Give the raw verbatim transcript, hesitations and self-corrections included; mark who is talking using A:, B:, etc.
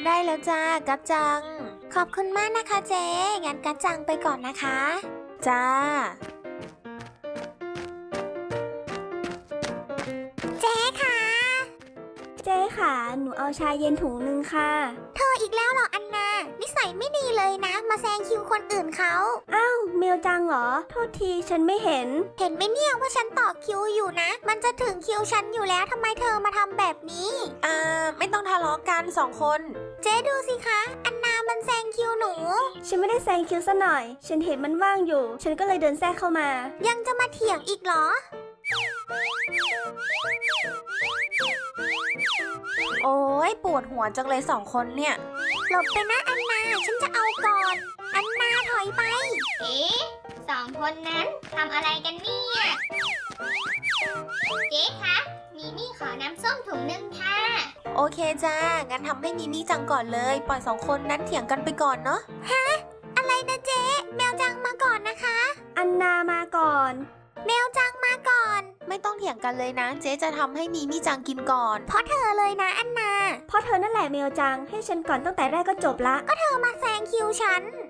A: ได้แล้วจ้ากัจจังขอบคุณมากนะคะเจ๊งั้นกัจจังไปก่อนนะคะจ้าเจ๊ค่ะ
B: เจ๊ค่ะหนูเอาชาเย็นถุงนึงค่ะ
A: เธออีกแล้วเหรออันนานิสัยไม่ดีเลยนะมาแซงคิวคนอื่นเขา
B: อ้าวเมลจังเหรอโทษทีฉันไม่เห็น
A: เห็นไหมเนี่ยว่าฉันต่อคิวอยู่นะมันจะถึงคิวฉันอยู่แล้วทำไมเธอมาทำแบบนี้อ่าไม่ต้องทะเลาะกันสองคนเจ๊ดูสิคะอันนามันแซงคิวหนู
B: ฉันไม่ได้แซงคิวซะหน่อยฉันเห็นมันว่างอยู่ฉันก็เลยเดินแทรกเข้ามา
A: ยังจะมาเถียงอีกเหรอโอ้ยปวดหัวจังเลยสองคนเนี่ยหลบไปนะอันนาฉันจะเอาก่อนอันนาถอยไป
C: เอ๊ะสองคนนั้นทำอะไรกันเนี่ยเจ๊คะมีมี่ขอน้ำส้มถุงนึงค่ะ
A: โอเคจ้างั้นทำให้มีมี่จังก่อนเลยปล่อยสองคนนั้นเถียงกันไปก่อนเนาะฮะอะไรนะเจ๊แมวจังมาก่อนนะคะ
B: อันนามาก่อน
A: แมวจังมาก่อนไม่ต้องเถียงกันเลยนะเจ๊จะทำให้มีมี่จังกินก่อนเพราะเธอเลยนะอันนา
B: เพราะเธอนั่นแหละเมลจังให้ฉันก่อนตั้งแต่แรกก็จบละ
A: ก็เธอมาแซงคิวฉัน